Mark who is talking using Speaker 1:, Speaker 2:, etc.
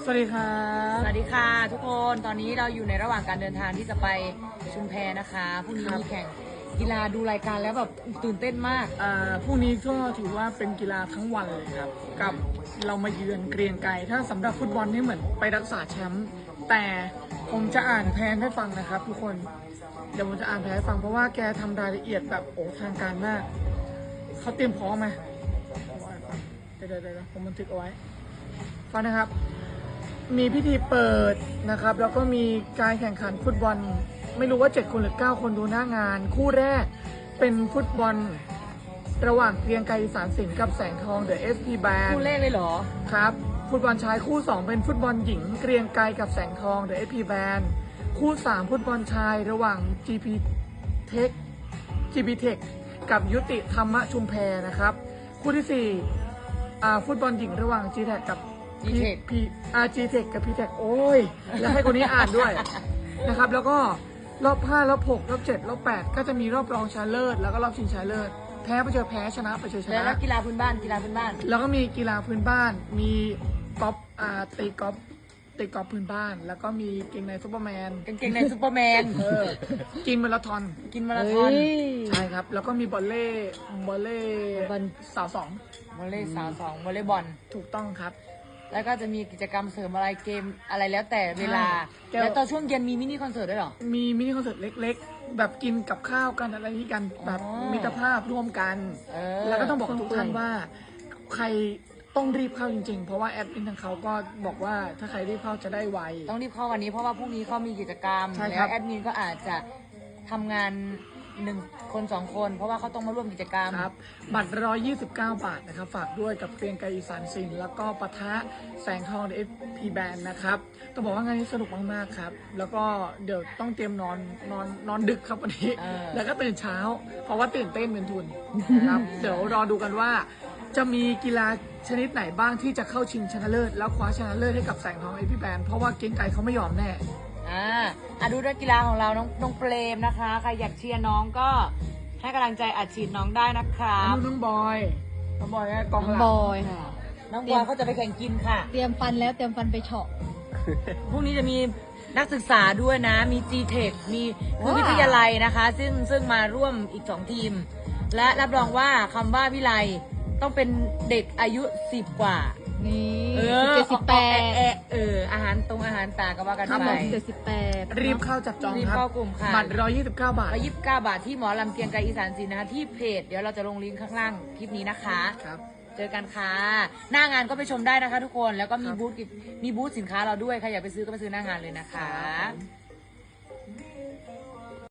Speaker 1: สวัสดีครับ
Speaker 2: สวัสดีค่ะทุกคนตอนนี้เราอยู่ในระหว่างการเดินทางที่จะไปชุมแพนะคะพรุ่งนี้มีแข่งกีฬาดูรายการแล้วแบบตื่นเต้นมาก
Speaker 1: พรุ่งนี้ก็ถือว่าเป็นกีฬาทั้งวันเลยครับกับเรามาเยือนเกรียงไกรถ้าสำหรับฟุตบอลนี่เหมือนไปรักษาแชมป์แต่ผมจะอ่านแผนให้ฟังนะครับทุกคนเดี๋ยวผมจะอ่านแผนให้ฟังเพราะว่าแกทำรายละเอียดแบบโอ้ทางการมากเขาเตรียมพร้อมไหมเดี๋ยวผมบันทึกเอาไว้ฟังนะครับมีพิธีเปิดนะครับแล้วก็มีการแข่งขันฟุตบอลไม่รู้ว่า7คนหรือ9คนดูหน้างานคู่แรกเป็นฟุตบอลระหว่างเกรียงไกรอีสานสินกับแสงทองเดอะเอสพีแบน
Speaker 2: คู่เลขเลยเหรอ
Speaker 1: ครับฟุตบอลชายคู่2เป็นฟุตบอลหญิงเกรียงไกรกับแสงทองเดอะเอสพีแบนคู่3ฟุตบอลชายระหว่าง GP Tech กับยุติธรรมชุมแพนะครับคู่ที่4ฟุตบอลหญิงระหว่าง G Tech กับG-Tech กับ P-Tech โอ้ยแล้วให้คนนี้อ่านด้วย นะครับแล้วก็รอบ5รอบ6รอบ7รอบ8ก็จะมีรอบรองชนะเลิศแล้วก็รอบชิงชนะเลิศแพ้ไปเจอแพ้ชนะไปเจอชนะ
Speaker 2: แล้วกีฬาพื้นบ้าน
Speaker 1: แล้วก็มีกีฬาพื้นบ้านมีกอล์ฟตีกอล์ฟพื้นบ้านแล้วก็มีเกงในซูเปอร์แมนกินมาราธอนใช่ครับแล้วก็มีบอลเล่สาวสอง
Speaker 2: วอลเลย์สาว2วอลเลย์บอล
Speaker 1: ถูกต้องครับ
Speaker 2: แล้วก็จะมีกิจกรรมเสริมอะไรเกมอะไรแล้วแต่เวลาแล้วตอนช่วงเย็นมีมินิคอนเสิร์ตด้วยหรอ
Speaker 1: มีมินิคอนเสิร์ตเล็กๆแบบกินกับข้าวกันอะไรที่กันแบบมิตรภาพร่วมกันแล้วก็ต้องบอกทุกท่านว่าใครต้องรีบเข้าจริงๆเพราะว่าแอดมินทางเขาก็บอกว่าถ้าใครรีบเข้าจะได้ไว
Speaker 2: ต้องรีบเข้าวันนี้เพราะว่าพรุ่งนี้เขามีกิจกรรมแล้วแอดมินก็อาจจะทำงาน1 คน 2 คนเพราะว่าเขาต้องมาร่วมกิจกรรม
Speaker 1: ครับบัตร129 บาทนะครับฝากด้วยกับเกรียงไกรอีสานสินแล้วก็ปะทะแสงทองเอฟพีแบนนะครับต้องบอกว่างานนี้สนุกมากๆครับแล้วก็เดี๋ยวต้องเตรียมนอนดึกครับวันนี้แล้วก็ตื่นเช้าเพราะว่าตื่นเต้นเป็นทุนนะครับเดี๋ยวรอดูกันว่าจะมีกีฬาชนิดไหนบ้างที่จะเข้าชิงชนะเลิศแล้วคว้าชนะเลิศให้กับแสงทองเอฟพีแบนเพราะว่าเกรียงไกรเขาไม่ยอมแน่
Speaker 2: ดูด้วยกีฬาของเราน้องเปรมนะคะใครอยากเชียร์น้องก็ให้กำลังใจอัดฉีดน้องได้นะครับ
Speaker 1: น้องบอยกองหลัง
Speaker 3: บอยค่ะ
Speaker 2: น้องบอยเขาจะไปแข่งกินค่ะ
Speaker 3: เตรียมฟันแล้วเตรียมฟันไปเฉาะ
Speaker 2: พรุ่งนี้จะมีนักศึกษาด้วยนะมี G-Tech มีวิทยาลัยนะคะซึ่งมาร่วมอีก2ทีมและรับรองว่าคำว่าวิไลต้องเป็นเด็กอายุ10 กว่า
Speaker 3: นี่18
Speaker 2: อาหารตาก็ว่ากันไป
Speaker 3: 18
Speaker 1: รีบเข้าจับจองครับ
Speaker 2: เข้ากลุ่มค่ะ
Speaker 1: บัตร129 บาท
Speaker 2: ที่หมอลำเกรียงไกรอีสานศิลป์นะคะที่เพจเดี๋ยวเราจะลงลิงก์ข้างล่างคลิปนี้นะคะ
Speaker 1: ครับ
Speaker 2: เจอกันค่ะหน้างานก็ไปชมได้นะคะทุกคนแล้วก็มีบูธสินค้าเราด้วยใครอยากไปซื้อก็ไปซื้อหน้างานเลยนะคะ